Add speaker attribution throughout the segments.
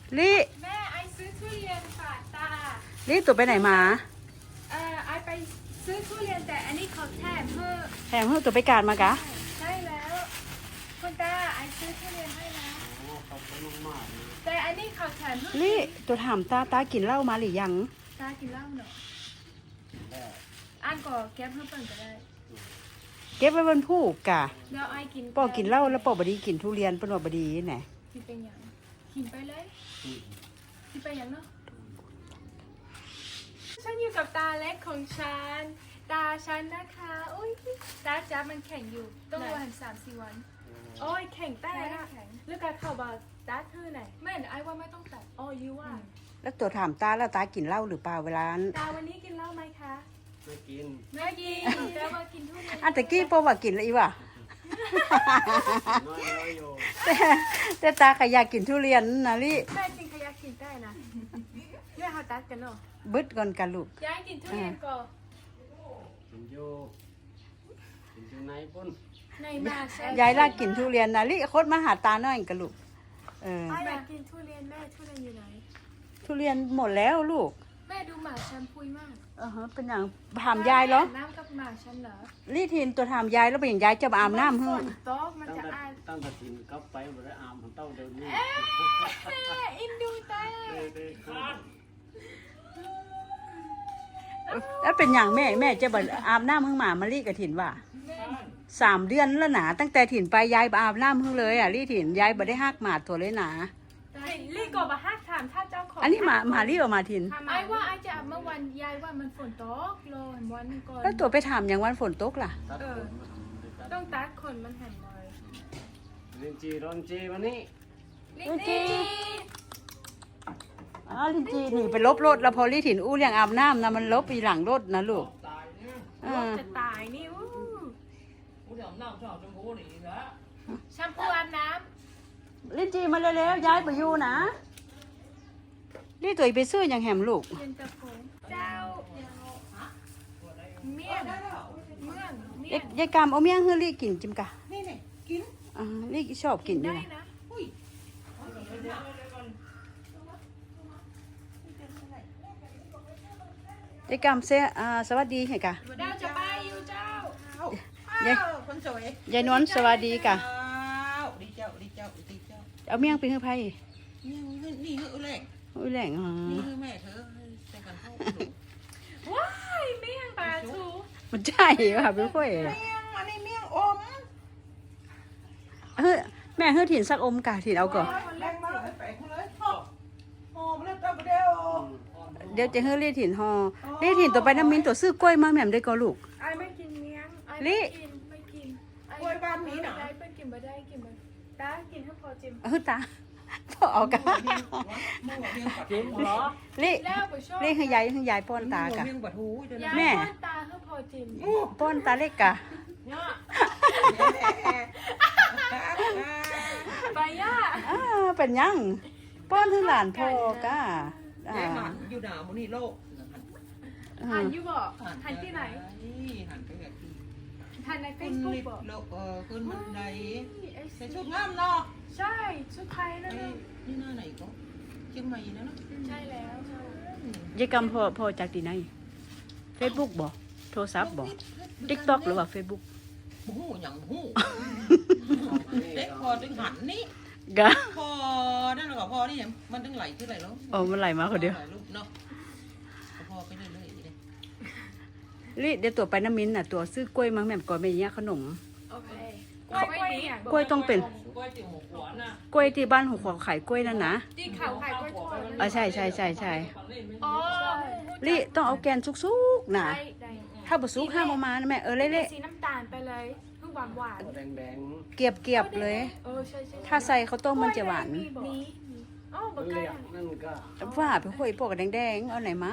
Speaker 1: ลี่
Speaker 2: แม่ไอซื้อทุเรียนฝากตา
Speaker 1: ลี่ตัวไปไหนมา
Speaker 2: ไอไปซื้อทุเรียนแต่อันนี้เขาแถมเพื่อ
Speaker 1: แถมเพื่อตัวไปการมากะ
Speaker 2: ใช่แล้วคุณตาไอซื้อทุเรียนให้นะแต่อันนี้เขาแถมเพื่อ
Speaker 1: ลี่ตัวถามตากินเหล้ามาหรือยัง
Speaker 2: ตากินเหล้าเนาะอ่านก่อแก้เพิ่มเติมก็ได้
Speaker 1: เก็บไว้บนผู้กะ
Speaker 2: เดี๋ยวไอกิน
Speaker 1: ปอกินเหล้าแล้วปอบดีกินทุเรียนเป็นว่าบดีไหน
Speaker 2: กินเป็นอย่างกินไปเลยกินไปอย่างเนาะฉันอยู่กับตาเล็กของฉันตาฉันนะคะอุ้ยตาจ้ามันแข็งอยู่ต้องวัน3-4 วันโอ้ยแข็งแต่นะเลือกการเข้าบาตาเธอไหนแม่ไอว่าไม่ต้องตัดอ๋อยูว่า
Speaker 1: แล้วตัวถามตาแล้วตากินเหล้าหรือเปล่าเวลา
Speaker 2: ตาวันนี้กินเหล้าไหมคะ
Speaker 3: ไม่กิน
Speaker 2: แต่ว่ากินทุเรียน
Speaker 1: อันตะกี้ปอว่ากินแล้วอีว่ะ
Speaker 3: น้อยอยู่
Speaker 1: แต่ตาขยากกินทุเรียนนะลี่
Speaker 2: แม่จริงขยักกินได้นะแม่เขาตัดกันเนาะ
Speaker 1: บึดก่อนกันลูก
Speaker 2: ยายกินทุเรียนก่อน
Speaker 3: กินอยู่ในปุ่น
Speaker 2: ในมาใช่
Speaker 1: ยายลากกินทุเรียนนะลี่โคตรมาหาตาหน่อยกันลูก
Speaker 2: แม่กินทุเรียนแม่ทุเรียนอยู่ไหน
Speaker 1: ทุเรียนหมดแล้วลูก
Speaker 2: แม่ดูหมาฉันพุยมาก
Speaker 1: เป็นอย่างถามยายเหรอ
Speaker 2: น้ำกับหมาฉันเหรอ
Speaker 1: ลี่ทินตัวถามยายแล้วเป็นอย่างยายจะมาอาบน้ำเฮ้
Speaker 2: ยโต๊ะมันจะอาบ
Speaker 3: ตั้งแต่กินก็ไปหมดแล้วอาบมันเต้าเดินนี่
Speaker 2: อินดูตา
Speaker 1: แล้วเป็นอย่างแม่จะบอกอาบน้ำเพิ่งหมาลี่กับถิ่นว่า3 เดือนแล้วหนาตั้งแต่ถิ่นไปยายอาบน้ำเพิ่งเลยลี่ถิ่นยายบ่ได้หักหมาตัวเลยหนา
Speaker 2: ลี่ก็มาหักถามถ้าเจ้าของ
Speaker 1: อันนี้หมาลี่ออกมาถิ่น
Speaker 2: ไอ้ว่าไอ้จะอาบเมื่อวันยายว่ามันฝนตกรอวันนึงก่อน
Speaker 1: แล้วตัวไปถามอย่างวันฝนตกล่ะ
Speaker 2: ต้องตัดขนมันหันเลย
Speaker 3: ลินจีรอนจีวันนี้
Speaker 2: ลินจี
Speaker 1: ลินจีหนีไปลบรถแล้วพอลี่ถิ่นอู้เรื่องอาบน้ำนะมันลบไปหลังรถนะลูก
Speaker 2: จะตายนี่แชมพูอาบน้
Speaker 1: ำลินจีมาเร็วๆย้ายไปอยู่นะลี่ตัวไปซื้ออย่างแหมลูก
Speaker 2: เย็นตาโฟเจ้าเมี่ยง
Speaker 1: ยายกามเอาเมี่ยงให้ลี่กินจิมกะ
Speaker 4: นี่กิน
Speaker 1: ลี่ชอบกินอยู่ยายกามเสียสวัสดีให้กะ
Speaker 2: เจ้าจะไปอยู่เจ้า
Speaker 4: คนสวย
Speaker 1: ยายนวลสวัสดีกะ
Speaker 4: ดีเจ้า
Speaker 1: เอาเมี่ยงไปให้ไผ่
Speaker 4: นี่แหล่ง
Speaker 1: แหล่ง
Speaker 4: นี่แม่เธอแต่กันเข้า
Speaker 2: ว้ายเมี่ยงปลาทู
Speaker 1: มันใช่ค่ะพี่ค่อย
Speaker 4: เมี่ยงอันนี้เมี่ยงอม
Speaker 1: แม่เฮ้ยถิ่นสักอมกะถิ่นเอาก่อน
Speaker 4: แรงมากไปเลยหอมแล้วตัวเดียว
Speaker 1: จะเฮ้ยลี่ถิ่นฮอลี่ถิ่นตัวไปน้ำมินตัวซื้อกล้วยมาแม่มได้ก็ลูก
Speaker 2: ไอ้ไม่กินเมี่ยง
Speaker 1: ลี่
Speaker 2: ไม่กิน
Speaker 4: กล้วยบ้านนี้หน่ะ
Speaker 2: ได้ไปกินมาได้กินมาตากินให้พอจิม
Speaker 1: ตาพอเอากัน
Speaker 3: จิ้มเหรอ
Speaker 1: ลี่ให้ยายป้อนตากะ
Speaker 2: แม่ป้อนตาให้พอจิม
Speaker 1: ป้อนตาเล็กกะ
Speaker 2: ไปย่า
Speaker 1: เป็นยังป้อนให้หลานพ่อกะ
Speaker 4: อยู่หนาวมันนี่โลก
Speaker 2: หันอยู่บ่หันที่ไหน
Speaker 4: หันไปแบบ
Speaker 2: หันในเฟซบุ๊กบ่
Speaker 4: โลกขึ้นบันไดใส่ชุดงามเนาะ
Speaker 2: ใช่ชุดไทยนั่น
Speaker 4: นี่หน้าไหนก็เชียงใหม่นะเนาะ
Speaker 2: ใช่แล้ว
Speaker 1: ยายกำพอจากที่ไหนเฟซบุ๊กบ่โทรศัพท์บ่ติ๊กต็อกหรือว่าเฟซบุ๊ก
Speaker 4: หูอย่างหูเด็กพอถึงหันนี่
Speaker 1: กะ
Speaker 4: พอนั่นหรอพอนี่มันถึงไหลขึ้นไหลแล้ว
Speaker 1: มันไหลมาคนเดียว
Speaker 4: เนาะพอไปเรื่อย
Speaker 1: ๆลี่เดี๋ยวตัวไปน้ำมินน่ะตัวซื้อกล้วยมาแม่ก่อนไม่เนี้ยขนมกล้วยต้องเป็นกล้วยที่บ้านหัวขายกล้วยนั่นนะ
Speaker 2: ที่เขาขายกล้วยทอด
Speaker 1: ใช่ลี่ต้องเอาแกนซุกๆนะถ้าบะซุกห้ามเอามานะแม่เละ
Speaker 2: ๆสีน้ำตาลไปเลยเพิ่งหวาน
Speaker 3: แดง
Speaker 1: เกียบเลยถ้าใส่ข้าวต้มมันจะหวานว่าไปคุยพวกแดงเอาไหนมา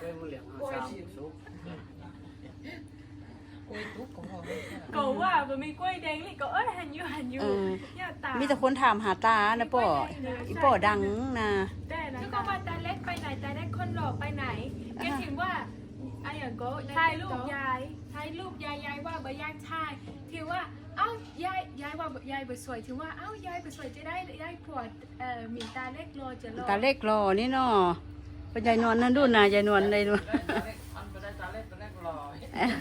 Speaker 2: ก็ว่ามันมีกล้วยแดงนี่ก็หันอยู่
Speaker 1: มีแต่คนถามหาตานะป่ออีป่อดังนะ
Speaker 2: แล้วก็มาตาเล็กไปไหนตาเล็กคนหล่อไปไหนแกถึงว่าไอ้อย่างก็ถ่ายรูปยายถ่ายรูปยายว่าบ่ยายถ่ายถือว่าเอ้ายายว่ายายบ่สวยถือว่าเอ้ายายบ่สวยจะได้ผัวมีตาเล็กรอจะรอ
Speaker 1: ตาเล็กรอนี่เนาะเป็นยายนวลนั่นดูนะยายนวลเลยดู
Speaker 4: อันไปได้ตาเล็กตาเล็กรอย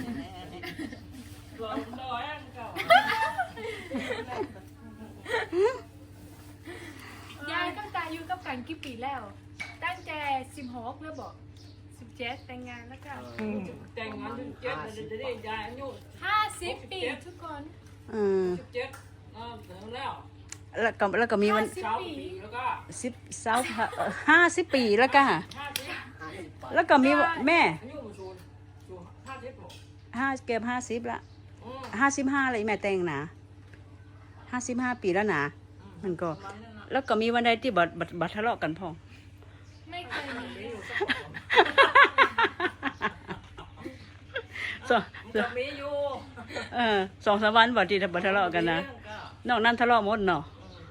Speaker 4: รอยอันเก่าย
Speaker 2: ายตั้งแต่อยู่กับกันกี่ปีแล้วตั้งแต่16แล้วบอก17แต่งงานแล้วก็
Speaker 4: แต่งงานถึงเจ็ดจะได้ยายอายุ
Speaker 2: 50 ปีทุกคน
Speaker 1: อืม
Speaker 4: เจ็ดถึงแล้ว
Speaker 1: แล้วก็มีวัน
Speaker 4: เช้าปีแล้วก็
Speaker 1: 50 ปีแล้วก็
Speaker 4: 50
Speaker 1: แล้วก็มีแม่
Speaker 4: อายุมันสูง50หรอ
Speaker 1: เกือบ50ละ55เลยแม่แต่งนะ55 ปีแล้วนะมันก็ แล้วก็มีวันใดที่บัดทะเลาะกันพอง
Speaker 2: ไม่เคยมี
Speaker 1: สอง
Speaker 4: จะมีอยู่
Speaker 1: 2-3 วันบัดที่บัดทะเลาะกันนะนอกนั้นทะเลาะหมดเนาะ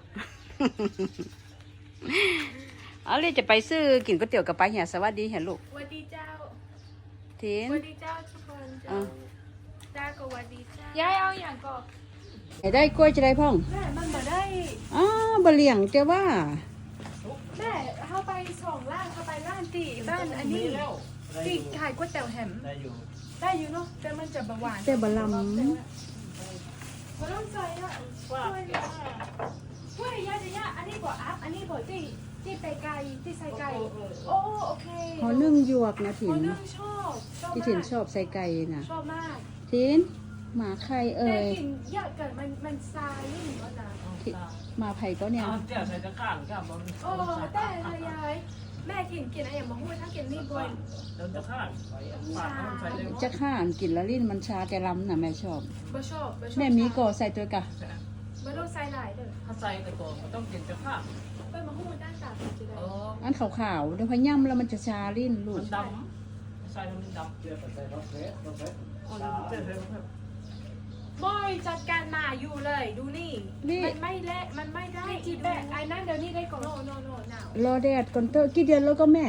Speaker 1: เอาเลยจะไปซื้อกินก๋วยเตี๋ยวกับไปเหี่ยสวัสดีเห็นลูก
Speaker 2: สวัสดีเจ้า
Speaker 1: ทิน
Speaker 2: สวัสดีเจ้าทุกคนเจ้า
Speaker 1: อ่ะ
Speaker 2: จ้าก็สวัสดีเจ้ายายเอาอย่างก็
Speaker 1: ได้กล้วยจะได้พ่อง
Speaker 2: แม่มันบ่ได้
Speaker 1: อ๋อบะเลี่ยงแต่ว่า
Speaker 2: แม่เข้าไป2ร้านเข้าไปร้านตีบ้านอันนี้ตีขายก๋วยเตี๋ยวแฮม
Speaker 3: ได้อยู่
Speaker 2: ได้อยู่เนาะแต่มันจะบ่หวาน
Speaker 1: แต่บะล
Speaker 2: บ่ต้องใส่อ่ะช่วยเลยช่วยยาจะยาอันนี้บ่อัพอันนี้บ่ที่ไปไก่ที่ใส่ไก่โอ้โอเค
Speaker 1: ำหอนึ่งหยวกนะถิ
Speaker 2: คน นึงชอบ
Speaker 1: ที่ถินชอบใส่ไก่น่ะ
Speaker 2: ชอบมาก
Speaker 1: ถินหมาใครเอ่
Speaker 2: แต่
Speaker 1: ย
Speaker 2: กินเยอะเกินมันซายยิ่งกว่านั้น
Speaker 1: หมาไผ่ก็เนี่ย
Speaker 4: เจ้าใส่ตะข้างข้ามบน
Speaker 2: โอ้แต่ละยายแม่กินอะไรอย่างบางคนถ้ากินนี่บ่อย
Speaker 4: เดินตะข้างปากมันใส่เลย
Speaker 1: จะข้านกินแล้วลิ้นมันชาแต่ลำน่ะแม่ชอบ
Speaker 2: บ่ชอบ
Speaker 1: แม่มีก่อใส่ตัวกะ
Speaker 2: บ่ต้องใส่หลายเด้อ
Speaker 4: ถ้าใส่แต่ก่อนมันต้องกินตะข้าง
Speaker 2: ไปมาหูด้านตาจะได้
Speaker 1: อันขาวๆเดี๋ยวพอย่ำแล้วมันจะชาลิ้นลูก
Speaker 4: มันดำใส่มันดำเจือใส่รถเฟสรถเฟสเจือเลยครับ
Speaker 2: บ่อยจัดการมาอยู่เลยดูนี่มันไม่เละมันไม่ได้จีแบไอ้นั่นเดี๋ยวนี้ได้ก่อนโนหนาว
Speaker 1: รอแดดก่อนเตอกี่เดือนแล้วก็แม่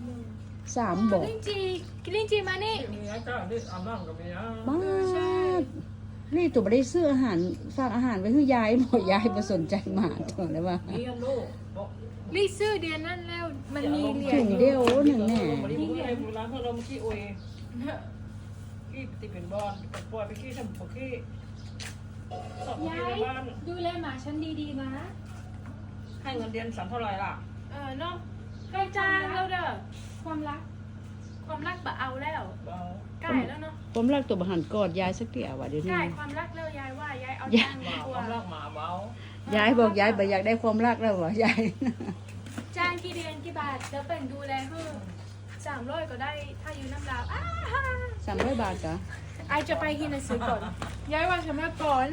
Speaker 1: 3บอก
Speaker 2: ลิ้นจีมานี่
Speaker 4: มีไอ้เจ้าที่อาบน้ำกับมีอ่ะ
Speaker 1: มากนี่ตัวไม่ได้ซื้ออาหารฝากอาหารไว้ให้ยายบอกยายมาสนใจหมาตัวเลยว่า
Speaker 4: มีอันลูก
Speaker 2: รีซื้อเดือนนั้นแล้วมันมีเหรีย
Speaker 1: ถุ
Speaker 2: ญ
Speaker 1: งเดียวหนึ่งแน่
Speaker 4: บริบูรณ์ไอ้โบราณเขาเราขี้อวยขี้ติเป็นบอลปล่อยไปขี้ทำปขี้สอบขี้ในบ้าน
Speaker 2: ดูแลหมาฉันดีๆนะ
Speaker 4: ให้เงินเดือน3เท่าไรล่ะ
Speaker 2: เนาะใกล้จางแล้วเด้อความรักบ่เอาแล้วใกล้แล้วเนาะ
Speaker 1: ผมรักตัวบหันกอดยายสักเตี่ยว่ะเดี๋ยว
Speaker 2: ใก
Speaker 1: นี้
Speaker 2: ล้ความรักแล้วยายว่ายายเอาจาง
Speaker 4: ห
Speaker 2: ดี
Speaker 4: มาก ค
Speaker 2: ว่าว
Speaker 4: ามรักหมาเบาย
Speaker 1: ายบอกยายบ่อยากได้ความรักแล้ววะยาย
Speaker 2: จางกี่เดือนกี่บาทจะเป็นดูแลเพื่อ300ก็ได้ถ้าอยู่น้ำลาว
Speaker 1: 300 บาทกะ
Speaker 2: ไอจะไปกินหนังสือก่อนยายว่าฉันมาก่อน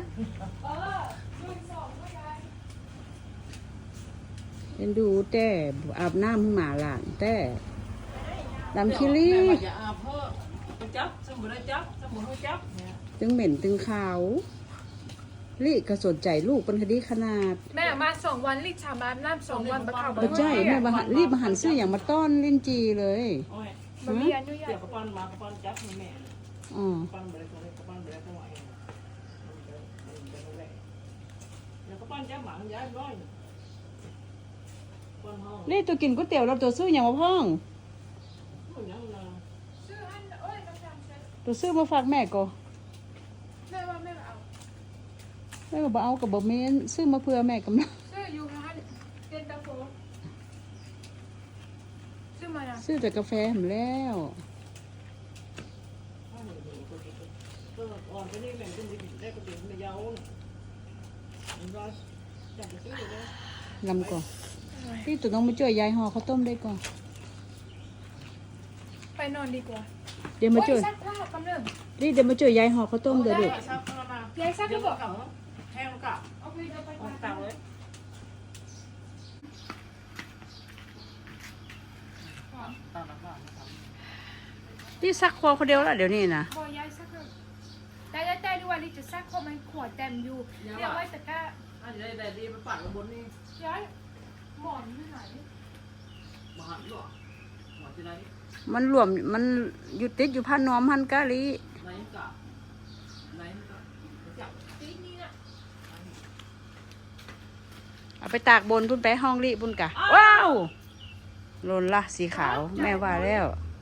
Speaker 2: ก็ยาย
Speaker 1: เอ็นดูแต่อาบน้ำให้หมาหลานแต่ดำคิรี่
Speaker 4: อย่าอาบเพิ่มจับสมุนไพรจับสมุนไพรจับ
Speaker 1: ตึงเหม็นตึงขาวลี่ก็สนใจลูกเป็นคดีขนาด
Speaker 2: แม่มา2 วันรีบชามอาบน้ำ2 วันมาเข้า
Speaker 1: บ่ใช่แม่รีบมาหันซื้ออย่างมาต้อนลิ้นจีเลย
Speaker 4: โอ้ย
Speaker 2: บ่มีอนุญา
Speaker 4: เดี๋ย
Speaker 2: ต
Speaker 4: วกระปั้นมากระปั้นจับแม่
Speaker 1: อ๋อ
Speaker 4: ปั้นไปเลยกระปั้นไปเลยทั้งหมดเดี๋ยวกระปั้นจับหมาย้ายร้อยปั้นห้อง
Speaker 1: ลี่ตัวกินก๋วยเตี๋ยวเราตัวซื้ออย่างมาพ่อง
Speaker 4: ยังนะ
Speaker 2: ซื้ออันโอ้ยน้ำจางใช้
Speaker 1: ตัวซื้อมาฝากแม่ก็
Speaker 2: แม่ว่าแม่เอา
Speaker 1: แม่ก็บ่เอากับบ่เม้นซื้อมาเพื่อแม่กำลัง
Speaker 2: ซื้ออยู่ร้านเย็นตาโฟซื้อมานะ
Speaker 1: ซื้อแต่กาแฟหมแล้ว
Speaker 4: ก็อ่อนไปนี่แบ่งเป็นได้กระดิ่งไม่ยาวมันร้อยจับไปซื้อเลย
Speaker 1: ลำก่อนที่ตัวน้องมาช่วยยายห่อข้าวต้มได้ก่อน
Speaker 2: ไปนอนดีกว่า
Speaker 1: เดี๋ยวมาช่วย
Speaker 2: ซักผ้ากำลัง
Speaker 1: นี่เดี๋ยวมาช่วยยายห่อข้าวต้มเดี๋ยวลูก
Speaker 4: ซักเข้ามาย
Speaker 2: ายซัก
Speaker 4: เดี๋
Speaker 2: ก็
Speaker 4: ยว
Speaker 2: บอก
Speaker 4: กับแห้งกับ
Speaker 2: เอาไปเดี๋ยวไป
Speaker 4: ออกต่างเลย ต่างกัน
Speaker 1: ที่ซักคอคนเดียวละเดี๋ยวนี้นะ
Speaker 2: พอยายซักเลยแต่ดูว่าลิจะซักเพราะมันขวดเต็มอยู่เรียกไว้ตะกร้า
Speaker 4: อันนี้ได้ดีไปปัดบนนี่
Speaker 2: ยายหมอนที่ไหน
Speaker 4: มาหันหรอหัวที่ไหน
Speaker 1: มันรวมมันอยู่ติดอยู่พันน้อมพันกะลี
Speaker 3: ไหนกะไหนกะจับ
Speaker 2: ตีนี่นะ
Speaker 1: เอาไปตากบนพุ่นไปห้องลีพุ่นกะว้าวหล่นละสีขาวแม่ว่าแล้ว
Speaker 2: เ